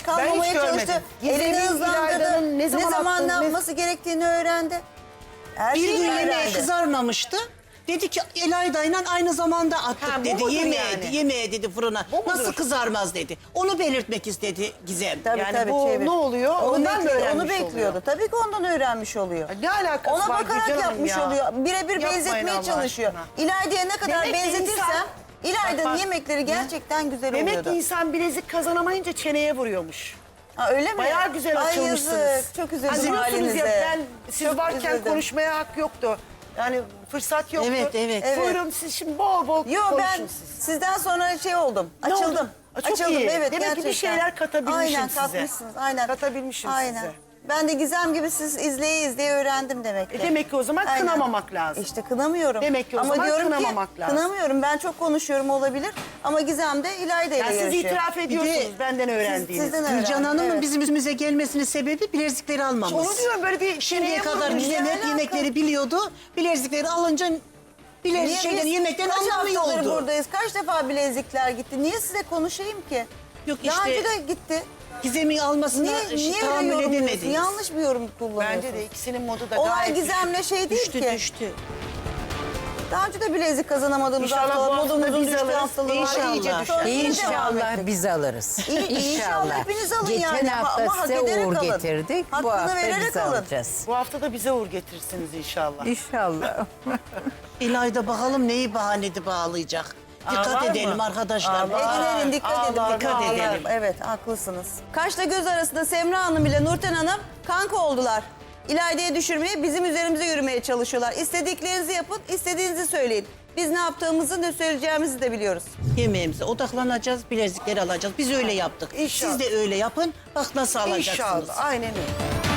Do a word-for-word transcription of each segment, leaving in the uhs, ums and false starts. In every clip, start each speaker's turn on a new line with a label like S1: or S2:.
S1: kalmamaya çalıştı. Elini hızlandırdı. Ne zaman, ne zaman ne yapması gerektiğini öğrendi. Her
S2: Bir
S1: şeyi
S2: gün yemeğe
S1: öğrendi.
S2: kızarmamıştı. Dedi ki Elayda'yla aynı zamanda attık
S1: Ha, bu
S2: dedi.
S1: mudur
S2: Yemeğe,
S1: yani?
S2: yemeğe dedi fırına.
S1: Bu mudur?
S2: Nasıl kızarmaz dedi. Onu belirtmek istedi Gizem.
S1: Tabii
S3: Yani
S1: tabii
S3: bu
S1: çevir.
S3: ne oluyor?
S1: Onu,
S3: Ondan mı
S1: bekliyor,
S3: öğrenmiş
S1: onu bekliyordu.
S3: oluyor?
S1: Tabii ki ondan öğrenmiş oluyor.
S3: Ne alakası
S1: Ona
S3: var
S1: bakarak
S3: Gülcan Hanım
S1: yapmış
S3: ya?
S1: oluyor. Birebir
S3: Yapmayın
S1: benzetmeye
S3: Allah
S1: çalışıyor.
S3: aşkına.
S1: İlayda'ya ne kadar
S3: Demek ki
S1: benzetirsem
S3: insan-
S1: İlayda'nın
S3: Bak, bak.
S1: yemekleri gerçekten güzel
S3: Demek
S1: oluyordu.
S3: ki insan bilezik kazanamayınca çeneye vuruyormuş.
S1: Ha, öyle mi?
S3: Bayağı güzel
S1: Ay
S3: açılmışsınız.
S1: yazık, çok üzüldüm
S3: Üzülüyorsunuz
S1: halinize.
S3: ya, ben siz
S1: Çok
S3: varken
S1: üzüldüm.
S3: konuşmaya hak yoktu. Yani fırsat yoktu.
S2: Evet, evet.
S1: Evet.
S3: Buyurun siz şimdi bol bol
S1: Yo
S3: konuşun
S1: ben
S3: siz.
S1: sizden sonra şey oldum.
S3: Ne
S1: Açıldım.
S3: oldu? Aa, çok
S1: Açıldım
S3: iyi.
S1: evet
S3: Demek ki bir
S1: gerçekten.
S3: şeyler katabilmişim
S1: aynen,
S3: size.
S1: katmışsınız. Aynen.
S3: Katabilmişim
S1: aynen.
S3: size.
S1: Ben de Gizem gibi siz izleye izleye öğrendim demek ki.
S3: E demek ki o zaman
S1: Aynen.
S3: kınamamak lazım.
S1: İşte kınamıyorum.
S3: Demek ki o
S1: ama
S3: zaman
S1: diyorum
S3: kınamamak
S1: ki,
S3: lazım.
S1: Kınamıyorum. Ben çok konuşuyorum olabilir. Ama Gizem de İlayda ile
S3: Yani siz
S1: yarışıyor.
S3: itiraf ediyorsunuz benden öğrendiğiniz.
S1: sizden
S2: Gülcan
S1: öğrendim,
S2: Hanım'ın
S1: evet.
S2: bizim üstümüze gelmesinin sebebi bilezikleri almamız.
S3: Onu diyorum böyle bir
S2: Şimdiye
S3: çeneye
S2: kadar
S3: vurmuş.
S2: Gizem
S1: Ne
S2: hep
S1: alaka?
S2: yemekleri biliyordu. Bilezikleri alınca bilezik
S1: Niye
S2: şeyden
S1: biz
S2: yemekten
S1: kaç
S2: anlamıyor
S1: haftadır
S2: oldu.
S1: buradayız? Kaç defa bilezikler gitti? Niye size konuşayım ki?
S2: Yok
S1: Daha
S2: işte
S1: önce de gitti.
S2: Gizem'in almasına
S1: Niye,
S2: işte
S1: niye öyle
S2: tahammül
S1: yorumluyorsun?
S2: edemediniz.
S1: Yanlış bir yorum kullanıyorsun.
S3: Bence de ikisinin modu da
S1: Olay
S3: gayet
S1: Gizem'le şey değil
S2: düştü
S1: ki.
S2: düştü.
S1: Daha önce de bilezik kazanamadığımız
S3: İnşallah
S1: haftalar,
S3: bu hafta
S1: modumuzun
S3: biz
S1: düştüğü
S3: alırız.
S1: haftalar var.
S3: İnşallah.
S1: İyice düşer. Sonra yine devam
S4: İnşallah
S1: ettik.
S4: biz alırız.
S1: İyi- İnşallah hepiniz alın
S4: Geçen
S1: yani.
S4: hafta
S1: Ama hak
S4: size
S1: ederek
S4: uğur
S1: alın.
S4: getirdik.
S1: Hakkını
S4: Bu hafta
S1: vererek
S4: biz
S1: alın.
S4: alacağız.
S3: Bu hafta da bize uğur getirirsiniz inşallah.
S4: İnşallah.
S2: İlayda bakalım neyi bahanede bağlayacak. Dikkat
S3: var mı?
S2: edelim arkadaşlar.
S1: Edin edin dikkat edin.
S3: Ağlar,
S1: Dikkat
S3: ağlar.
S1: edelim. Evet haklısınız. Kaşla göz arasında Semra Hanım ile Nurten Hanım kanka oldular. İlayda'ya düşürmeye, bizim üzerimize yürümeye çalışıyorlar. İstediklerinizi yapın, istediğinizi söyleyin. Biz ne yaptığımızı, ne söyleyeceğimizi de biliyoruz.
S2: Yemeğimize odaklanacağız, bilezikleri alacağız. Biz öyle yaptık.
S3: İnşallah.
S2: Siz de öyle yapın. Bak nasıl alacaksınız.
S3: İnşallah. Aynen öyle.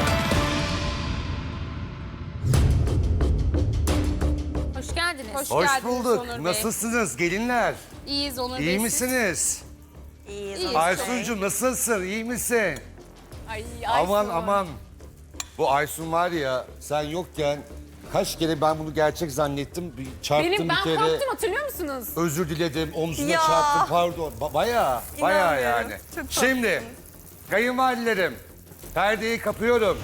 S5: Hoş geldiniz. Hoş,
S6: Hoş
S5: geldiniz
S6: bulduk.
S5: Onur Bey.
S6: Nasılsınız gelinler?
S5: İyiyiz Onur Bey.
S6: İyi
S5: siz?
S6: misiniz?
S5: İyiyiz.
S6: Aysuncuğum nasılsın? İyi misin?
S5: Ay,
S6: Aman
S5: Aysun.
S6: aman. Bu Aysun var ya sen yokken kaç kere ben bunu gerçek zannettim. Bir çarptım
S5: Benim ben
S6: bir kere.
S5: korktum hatırlıyor musunuz?
S6: Özür diledim. Omzuna
S5: Ya.
S6: çarptım pardon. Ba bayağı bayağı yani. Şimdi kayınvalidelerim perdeyi kapıyorum.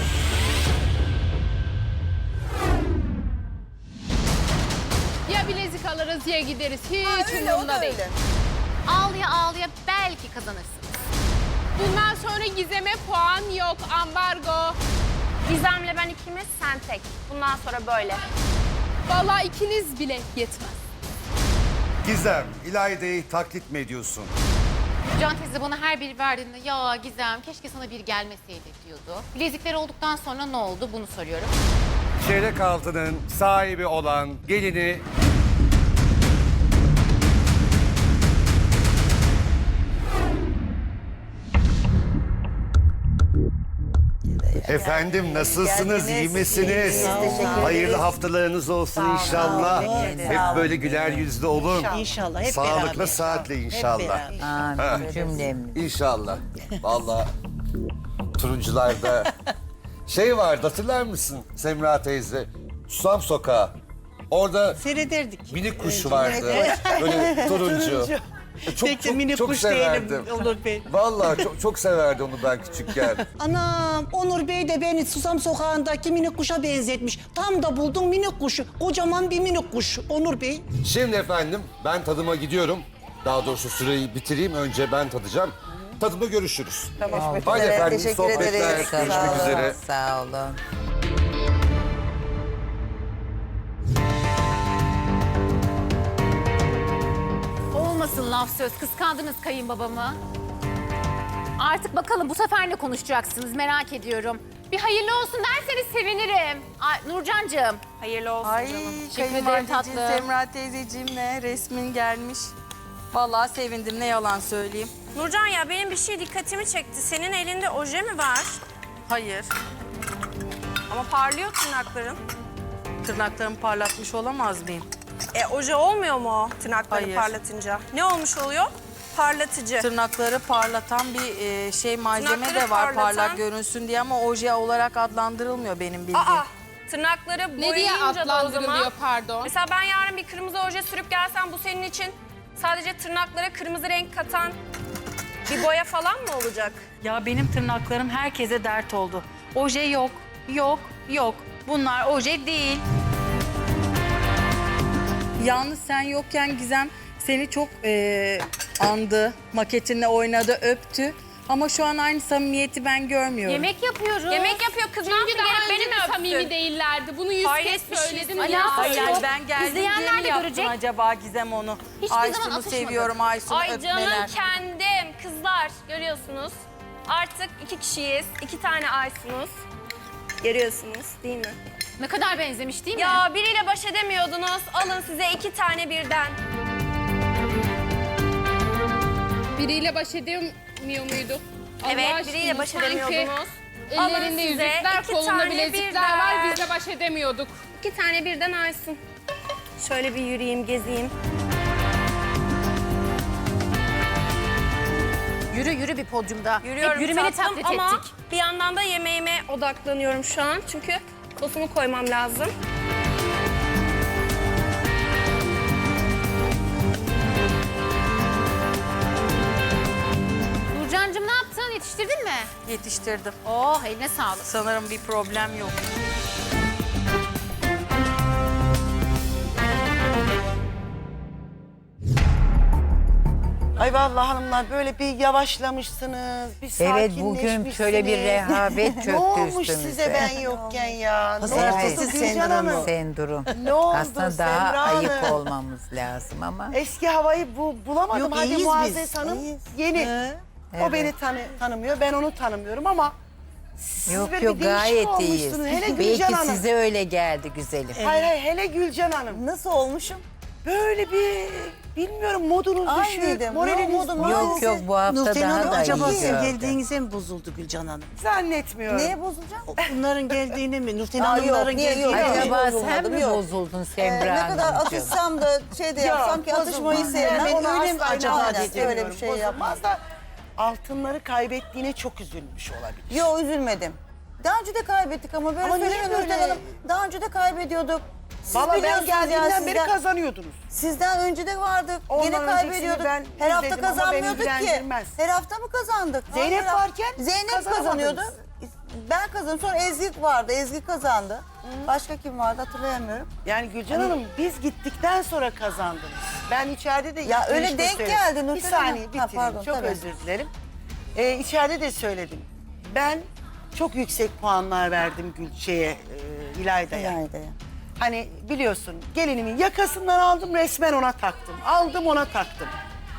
S5: Ya bilezik alırız ya gideriz. Hiç
S1: Ha, öyle, o
S5: umurumda
S1: da
S5: değil.
S1: öyle.
S5: Ağlıya ağlıya belki kazanırsınız. Bundan sonra Gizem'e puan yok. Ambargo.
S7: Gizem'le ben ikimiz, sen tek. Bundan sonra böyle.
S5: Vallahi ikiniz bile yetmez.
S6: Gizem, İlayda'yı taklit mi ediyorsun?
S8: Can teyze bana her biri verdiğinde ya Gizem keşke sana bir gelmeseydi diyordu. Bilezikler olduktan sonra ne oldu bunu soruyorum.
S6: Çeyrek altının sahibi olan gelini Efendim nasılsınız, iyi
S1: Geldiniz.
S6: misiniz?
S1: İyiyiz, teşekkür ederiz.
S6: Hayırlı haftalarınız olsun inşallah.
S1: teşekkür ederiz.
S6: Hep böyle güler yüzlü olun.
S2: İnşallah hep
S6: Sağlıkla,
S2: beraber.
S6: saatle
S2: Hep
S6: inşallah.
S2: beraber.
S4: Amin cümlemiz.
S6: İnşallah. Vallahi turuncularda şey vardı hatırlar mısın Semra teyze? Susam Sokağı. Orada
S2: Seyrederdik.
S6: minik kuş vardı. Böyle turuncu. Çok,
S2: Peki
S6: çok,
S2: minik
S6: çok
S2: kuş
S6: severdim.
S2: değilim Onur Bey.
S6: Vallahi çok, çok severdim onu ben küçükken.
S2: Anam Onur Bey de beni Susam Sokağı'ndaki minik kuşa benzetmiş. Tam da buldum minik kuşu. Kocaman bir minik kuş Onur Bey.
S6: Şimdi efendim ben tadıma gidiyorum. Daha doğrusu süreyi bitireyim. Önce ben tadacağım. Tadımda görüşürüz.
S1: Tamam.
S6: Hadi efendim
S1: teşekkür
S6: sohbetler.
S1: ederiz. Sağ
S6: Görüşmek
S1: olun.
S6: üzere.
S4: Sağ olun.
S8: Olmasın laf söz kıskandınız kayınbabamı. Artık bakalım bu sefer ne konuşacaksınız merak ediyorum. Bir hayırlı olsun derseniz sevinirim. Ay, Nurcancığım.
S7: Hayırlı olsun
S9: Ay
S7: canım.
S8: Teşekkür ederim
S9: kayınvalideciğim,
S8: tatlım.
S9: Semra teyzeciğimle resmin gelmiş. Vallahi sevindim ne yalan söyleyeyim.
S7: Nurcan ya benim bir şey dikkatimi çekti. Senin elinde oje mi var?
S9: Hayır,
S7: Ama parlıyor tırnakların.
S9: tırnaklarımı parlatmış olamaz mıyım?
S7: E oje olmuyor mu o tırnakları
S9: Hayır.
S7: parlatınca? Ne olmuş oluyor? Parlatıcı.
S9: Tırnakları parlatan bir e, şey malzeme
S7: Tırnakları
S9: de var
S7: parlatan-
S9: parlak görünsün diye ama oje olarak adlandırılmıyor benim bildiğim.
S7: Aa, tırnakları
S5: Ne diye
S7: boyayınca da o
S5: adlandırılıyor
S7: zaman...
S5: pardon?
S7: Mesela ben yarın bir kırmızı oje sürüp gelsem bu senin için sadece tırnaklara kırmızı renk katan Bir boya falan mı olacak?
S9: Ya benim tırnaklarım herkese dert oldu. Oje yok, yok, yok. Bunlar oje değil. Yalnız sen yokken Gizem seni çok eee, andı. Maketinle oynadı, öptü. Ama şu an aynı samimiyeti ben görmüyorum.
S8: Yemek yapıyoruz.
S7: Yemek yapıyor kız. ne
S5: Çünkü
S7: yaptı?
S5: daha
S7: Gelip
S5: önce
S7: beni mi
S5: de
S7: öptü?
S5: samimi değillerdi. Bunu yüz
S7: Hayret bir
S5: kez
S7: şey.
S5: söyledim.
S8: Alakası
S5: yine
S8: yok.
S9: Hayır,
S5: söylüyorum.
S9: ben geldiğim diye
S8: İzleyenler
S9: mi
S8: de
S9: yaptın
S8: görecek.
S9: acaba Gizem onu?
S8: Hiçbir zaman
S9: Aysun'u
S8: atışmadı.
S9: seviyorum, Aysun'u
S7: Ay
S9: öpmeler.
S7: canım kendim. Kızlar görüyorsunuz. Artık iki kişiyiz. İki tane Aysun'uz. Görüyorsunuz değil mi?
S8: Ne kadar benzemiş değil mi?
S7: Ya biriyle baş edemiyordunuz. Alın size iki tane birden.
S5: Biriyle baş edemiyor muydu? Allah
S7: Evet
S5: aşkına,
S7: biriyle baş
S5: sanki
S7: edemiyordunuz. Alın
S5: Ellerinde
S7: size
S5: yüzükler,
S7: iki
S5: kolunda
S7: tane
S5: bilezikler
S7: birden.
S5: var. Biz de baş edemiyorduk.
S7: İki tane birden Aysun. Şöyle bir yürüyeyim, gezeyim.
S8: Yürü yürü bir podyumda.
S7: Yürüyorum
S8: Hep yürümeni
S7: tatlım
S8: taklit
S7: ama
S8: ettik.
S7: bir yandan da yemeğime odaklanıyorum şu an. Çünkü sosumu koymam lazım.
S8: Nurcancığım ne yaptın? Yetiştirdin mi?
S9: Yetiştirdim.
S8: Oh eline sağlık.
S9: Sanırım bir problem yok.
S3: Ay vallahi hanımlar böyle bir yavaşlamışsınız, bir
S4: Evet,
S3: sakinleşmişsiniz.
S4: bugün şöyle bir rehavet çöktü
S3: Ne olmuş
S4: üstümüze.
S3: size ben yokken ya? Ne
S2: Pazartesi
S3: oldu Gülcan Hanım?
S4: Sendrom.
S3: Ne oldu
S4: Aslında daha
S3: Semra
S4: ayık
S3: Hanım?
S4: olmamız lazım ama
S3: Eski havayı bu, bulamadım.
S2: Yok,
S3: Hadi
S2: iyiyiz
S3: Muazzez
S2: biz,
S3: Hanım
S2: iyiyiz.
S3: yeni.
S2: He.
S3: O
S4: Evet.
S3: beni tanı, tanımıyor, ben onu tanımıyorum ama siz
S4: yok
S3: böyle
S4: yok
S3: bir değişik
S4: gayet iyiyiz.
S3: olmuşsunuz. Hele
S4: Belki
S3: Gülcan Hanım.
S4: size öyle geldi güzelim.
S3: Hayır hayır hele Gülcan Hanım.
S1: Nasıl olmuşum?
S3: Böyle bir bilmiyorum modunuz düşük,
S1: Aynıydım.
S3: moraliniz
S1: Yok, modum-
S3: bozuk.
S4: Yok yok bu hafta
S2: Nurten
S4: daha
S2: Hanım
S4: da
S2: acaba
S4: iyi
S2: sizin
S4: gördüm.
S2: geldiğinize mi bozuldu Gülcan Hanım?
S3: Zannetmiyorum.
S1: Neye bozulacağım?
S2: Bunların geldiğine mi? Nurten
S1: Aa,
S2: Hanımların
S1: yok, niye, yok.
S2: geldiğine mi?
S4: Acaba sen
S1: bozulmadım,
S4: mi
S1: yok.
S4: bozuldun
S1: Ee,
S4: Semra
S1: ne kadar
S4: Hanımcığım?
S1: atışsam da şey de
S3: Ya,
S1: yapsam ki atışmayı
S3: bozulmaz.
S1: sevmem.
S3: Ben onu
S1: öyle mi
S3: asla
S1: acaba
S3: inat
S1: dedim. Öyle bir
S3: edemiyorum.
S1: şey yapmaz.
S3: Bozulmaz da altınları kaybettiğine çok üzülmüş olabilir.
S1: Yok üzülmedim. Daha önce de kaybettik ama böyle
S3: Ama niye
S1: söyleme
S3: böyle?
S1: Nurten Hanım. Daha önce de kaybediyorduk. Siz
S3: Valla ben
S1: biliyorsunuz
S3: geldiğimden
S1: ya,
S3: beri
S1: sizden,
S3: kazanıyordunuz.
S1: sizden önce de vardık.
S3: Ondan
S1: Yine
S3: öncesini
S1: kaybediyorduk.
S3: ben
S1: Her hafta
S3: izledim ama beni
S1: kazanmıyorduk ki.
S3: ilgilendirmez.
S1: Her hafta mı kazandık?
S3: Zeynep
S1: Her hafta-
S3: varken
S1: Zeynep
S3: kazanamadınız.
S1: kazanıyordu. Ben kazandım. Sonra Ezgi vardı. Ezgi kazandı. Başka kim vardı hatırlayamıyorum.
S3: Yani Gülcan Hanım biz gittikten sonra kazandınız. Ben içeride de
S1: Ya öyle
S3: girişte
S1: denk
S3: söyledim.
S1: geldi
S3: Bir
S1: Nurten
S3: saniye
S1: Hanım.
S3: bitireyim.
S1: Ha, pardon,
S3: çok
S1: tabii.
S3: özür dilerim. Ee, içeride de söyledim. Ben çok yüksek puanlar verdim Gülçe'ye, e, İlayda'ya.
S1: İlayda'ya.
S3: Hani biliyorsun gelinimin yakasından aldım resmen ona taktım. Aldım ona taktım.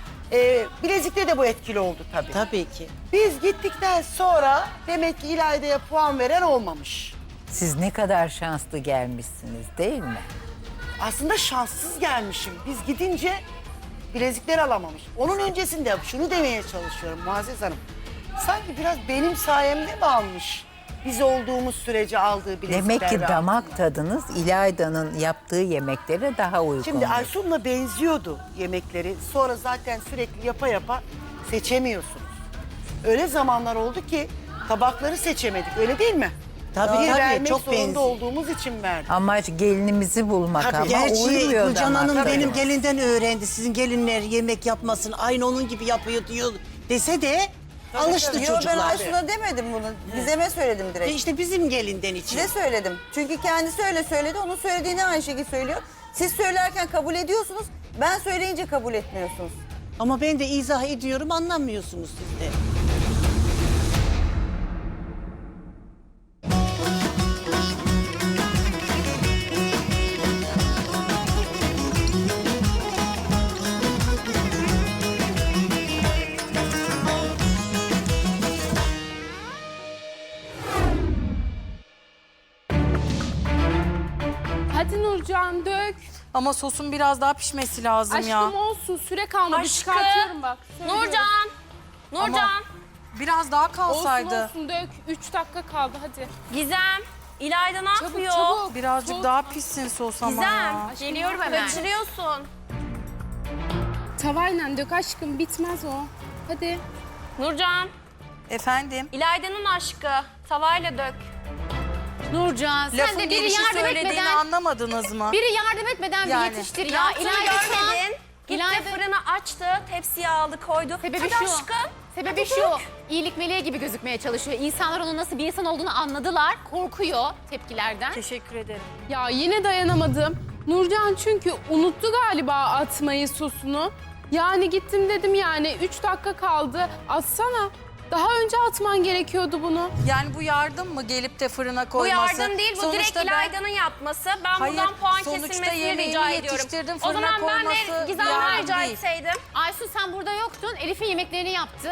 S3: Ee, bilezikte de bu etkili oldu tabii.
S2: Tabii ki.
S3: Biz gittikten sonra demek ki İlayda'ya puan veren olmamış.
S4: Siz ne kadar şanslı gelmişsiniz değil mi?
S3: Aslında şanssız gelmişim. Biz gidince bilezikler alamamış. Onun öncesinde şunu demeye çalışıyorum Muazzez Hanım. Sanki biraz benim sayemde mi almış? Biz olduğumuz sürece aldığı bilezikler.
S4: Demek ki
S3: ve
S4: damak
S3: altınlar.
S4: tadınız İlayda'nın yaptığı yemeklere daha uygun.
S3: Şimdi Aysun'la benziyordu yemekleri. Sonra zaten sürekli yapa yapa seçemiyorsunuz. Öyle zamanlar oldu ki tabakları seçemedik. Öyle değil mi?
S2: Tabii,
S3: Bir
S2: tabii,
S3: vermek
S2: çok
S3: zorunda
S2: benziyor.
S3: olduğumuz için verdik.
S4: Amaç gelinimizi bulmak
S3: Tabii.
S4: ama
S2: Gerçi
S4: uymuyor
S2: Gülcan
S4: damak
S2: Hanım
S4: tadına.
S2: benim gelinden öğrendi. Sizin gelinler yemek yapmasın. Aynı onun gibi yapıyor diyor dese de alıştı
S3: tabii.
S1: Yo, ben
S2: çocuklar.
S1: Aysun'a demedim bunu. Gizem'e söyledim
S2: E
S1: direkt.
S2: İşte bizim gelinden için.
S1: Size söyledim. Çünkü kendisi öyle söyledi. Onun söylediğini aynı şekilde söylüyor. Siz söylerken kabul ediyorsunuz. Ben söyleyince kabul etmiyorsunuz.
S2: Ama ben de izah ediyorum anlamıyorsunuz siz de.
S5: Hadi Nurcan dök.
S9: Ama sosun biraz daha pişmesi lazım
S5: Aşkım
S9: ya.
S5: olsun süre kalmadı.
S7: Aşkım.
S5: Çıkartıyorum bak. Söylüyorum.
S7: Nurcan. Nurcan.
S9: Biraz daha
S5: Olsun
S9: kalsaydı.
S5: olsun dök. Üç dakika kaldı hadi.
S7: Gizem. İlayda ne
S5: Çabuk
S7: yapıyor?
S5: çabuk.
S9: Birazcık
S5: Soğuk.
S9: daha pişsin sos ama
S7: Gizem.
S9: ya.
S8: Geliyorum hemen.
S7: Kaçırıyorsun.
S5: Tavayla dök aşkım bitmez o. Hadi.
S7: Nurcan.
S9: Efendim?
S7: İlayda'nın aşkı. Tavayla dök.
S8: Nurcan sen
S9: Lafın
S8: de biri
S9: gelişi
S8: yardım
S9: söylediğini
S8: etmeden, biri
S9: anlamadınız mı?
S8: yardım etmeden
S9: Yani.
S8: bir yetiştir ya.
S7: Yaptığını
S8: İlayda şu an-
S7: görmedin. Gitti
S8: İlayda-
S7: fırını açtı, tepsiye aldı koydu.
S8: Sebebi
S7: Hadi
S8: şu.
S7: aşkım.
S8: Sebebi şu, iyilik meleği gibi gözükmeye çalışıyor. İnsanlar onun nasıl bir insan olduğunu anladılar, korkuyor tepkilerden.
S7: Teşekkür ederim.
S5: Ya yine dayanamadım. Nurcan çünkü unuttu galiba atmayı sosunu. Yani gittim dedim yani üç dakika kaldı. Atsana. Daha önce atman gerekiyordu bunu.
S9: Yani bu yardım mı gelip de fırına
S7: Bu
S9: koyması?
S7: yardım değil, bu direkt
S9: Sonuçta ben-
S7: İlayda'nın yapması. Ben
S9: Hayır,
S7: buradan puan
S9: sonuçta
S7: kesilmesini
S9: yemeğini
S7: rica ediyorum.
S9: yetiştirdim,
S7: O
S9: fırına
S7: zaman ben de
S9: koyması
S7: Gizem'den
S9: yardım
S7: rica
S9: değil.
S7: etseydim.
S8: Aysun sen burada yoktun, Elif'in yemeklerini yaptı.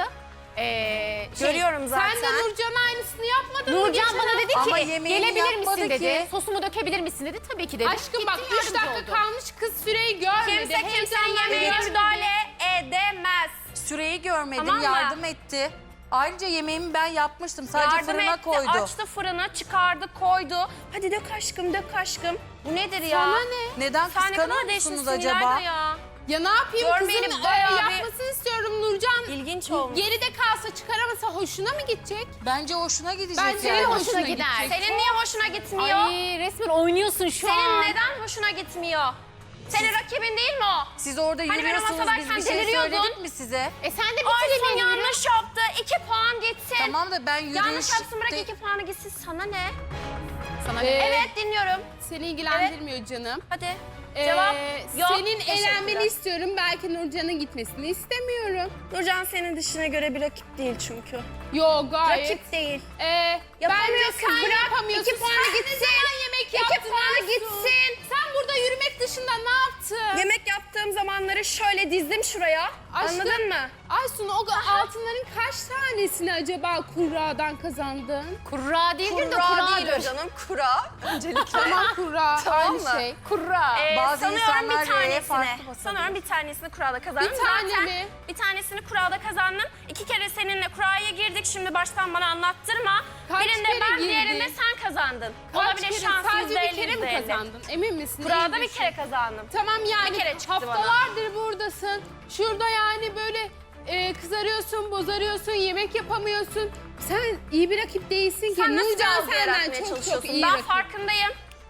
S8: Ee, şey,
S7: Görüyorum zaten.
S5: Sen de Nurcan'a aynısını yapmadın mı?
S8: Nurcan
S5: geçen
S8: bana dedi
S9: Ama
S8: ki
S9: yemeğini
S8: gelebilir
S9: yapmadı
S8: misin dedi.
S9: ki.
S8: Sosumu dökebilir misin dedi. Tabii ki dedi.
S5: Aşkım
S8: Gittin,
S5: bak üç
S8: yardımcı
S5: dakika
S8: oldun.
S5: kalmış kız süreyi görmedi.
S7: Kimse kimsenin
S5: Heyecandan
S7: yemeğine
S5: görmedi.
S7: müdahale edemez.
S9: Süreyi görmedim,
S7: Tamam mı?
S9: yardım etti. Ayrıca yemeğimi ben yapmıştım. Sadece
S7: Yardım
S9: fırına
S7: etti,
S9: koydu.
S7: açtı fırını, çıkardı, koydu. Hadi dök aşkım, dök aşkım. Bu nedir ya?
S5: Sana ne?
S9: Neden
S7: Sen ne kadar
S9: kıskanıyor
S7: değişmişsin
S9: musunuz acaba?
S7: İlayda ya.
S5: Ya ne yapayım
S7: Görmeyelim,
S5: kızın
S7: bayağı
S5: e,
S7: bir-
S5: yapmasını istiyorum Nurcan.
S7: İlginç olmuş.
S5: Geride kalsa çıkaramasa hoşuna mı gidecek?
S9: Bence hoşuna gidecek
S5: Bence
S9: yani.
S5: de
S8: Hoşuna
S5: hoşuna
S8: gider.
S5: gidecek.
S7: Senin niye hoşuna gitmiyor?
S8: Ay resmen oynuyorsun şu
S7: Senin
S8: an.
S7: neden hoşuna gitmiyor? Senin rakibin değil mi o?
S9: Siz orada
S7: Hani ben o
S9: yürüyorsunuz, biz
S7: masadayken
S9: bir şey
S7: deliriyordun.
S9: söyledik mi size?
S8: E sen de
S7: Aysun
S8: bitir yemeğini.
S7: yanlış yaptı. İki puan gitsin.
S9: Tamam da ben yürüyüş...
S7: Yanlış yapsın, bırak iki puanı gitsin. Sana ne?
S8: Sana
S5: Ee,
S8: ne?
S7: Evet, dinliyorum.
S5: Seni ilgilendirmiyor canım.
S7: Hadi.
S5: Ee,
S7: Cevap yok.
S5: Senin
S7: Teşekkürler.
S5: eğlenmeni istiyorum. Belki Nurcan'ın gitmesini istemiyorum.
S7: Nurcan senin dışına göre bir rakip değil çünkü.
S5: Yo gayet.
S7: Rakip değil.
S5: Ee, bence
S7: Yapamıyorsun,
S5: sen
S7: bırak.
S5: yapamıyorsun.
S7: İki puanı
S5: Sen ne
S7: gitsin.
S5: zaman yemek
S7: İki
S5: yaptın
S7: puanı
S5: Aysun?
S7: gitsin.
S5: Sen burada yürümek dışında ne yaptın?
S7: Yemek yaptığım zamanları şöyle dizdim şuraya.
S5: Aşkım,
S7: Anladın mı?
S5: Aysun o altınların kaç tanesini acaba kurradan kazandın?
S8: Kurra değildir de
S7: Kura
S8: kuradır.
S7: değil o canım. Kura.
S5: Tamam kurra
S7: Tamam
S5: aynı
S7: mı?
S5: şey.
S8: Kurra.
S7: Ee,
S9: Bazı
S7: sanıyorum
S9: insanlar
S7: bir
S9: R'ye
S7: tanesini.
S9: farklı basabiliyor.
S7: Sanıyorum bir tanesini kurada kazandım.
S5: Bir tane
S7: Zaten
S5: mi?
S7: bir tanesini kurada kazandım. İki kere seninle kuraya girdik. Şimdi baştan bana anlattırma.
S5: Kaç
S7: Birinde
S5: kere
S7: ben,
S5: girdin?
S7: diğerinde sen kazandın.
S5: Kaç
S7: Olabilir,
S5: kere?
S7: şans
S5: Sadece
S7: yüzde elli,
S5: bir kere mi
S7: yüzde elli.
S5: kazandın? Emin misin?
S7: Kurada
S5: İyi
S7: bir
S5: düşün.
S7: kere kazandım.
S5: Tamam yani
S7: Bir kere çıktı
S5: haftalardır buradasın. Şurada yani böyle e, kızarıyorsun, bozarıyorsun, yemek yapamıyorsun. Sen iyi bir rakip değilsin ki.
S7: Sen nasıl
S5: Nurcan
S7: algı yaratmaya
S5: senden çok çok
S7: çalışıyorsun?
S5: iyi
S7: Ben
S5: rakip.
S7: farkındayım.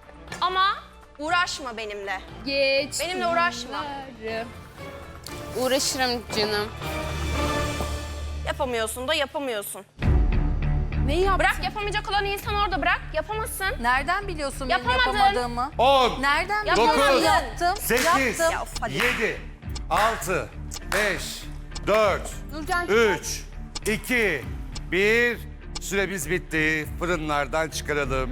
S7: Ama uğraşma benimle.
S5: Geç.
S7: Benimle uğraşma.
S5: yılları. Uğraşırım canım.
S7: Yapamıyorsun da yapamıyorsun.
S5: Ne yaptın?
S7: Bırak, yapamayacak olan insan orada bırak. Yapamazsın.
S9: Nereden biliyorsun benim
S7: Yapamadın.
S9: yapamadığımı?
S6: on,
S9: Nereden
S7: Yapamadın.
S9: biliyorsun? Yaptım.
S6: sekiz,
S9: Yaptım.
S7: Ya of, hadi.
S6: yedi, altı, beş, dört,
S5: Nurcan
S6: üç, iki, bir. Süremiz bitti. Fırınlardan çıkaralım.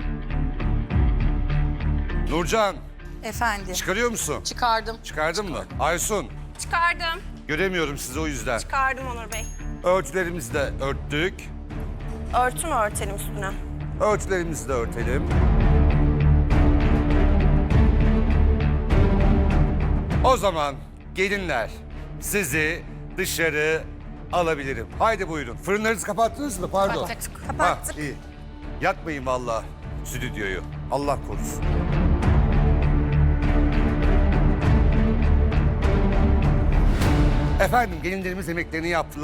S6: Nurcan,
S9: Efendim.
S6: çıkarıyor musun?
S9: Çıkardım.
S6: Çıkardın mı? Aysun,
S7: Çıkardım.
S6: göremiyorum sizi o yüzden.
S7: Çıkardım Onur Bey.
S6: Örtülerimizi de örttük.
S7: Örtü mü örtelim üstüne?
S6: Örtülerimizi de örtelim. O zaman gelinler, sizi dışarı alabilirim. Haydi buyurun. Fırınlarınızı kapattınız mı? Pardon. Kapattık. Ha, iyi. Yakmayın vallahi stüdyoyu. Allah korusun. Efendim gelinlerimiz yemeklerini yaptılar.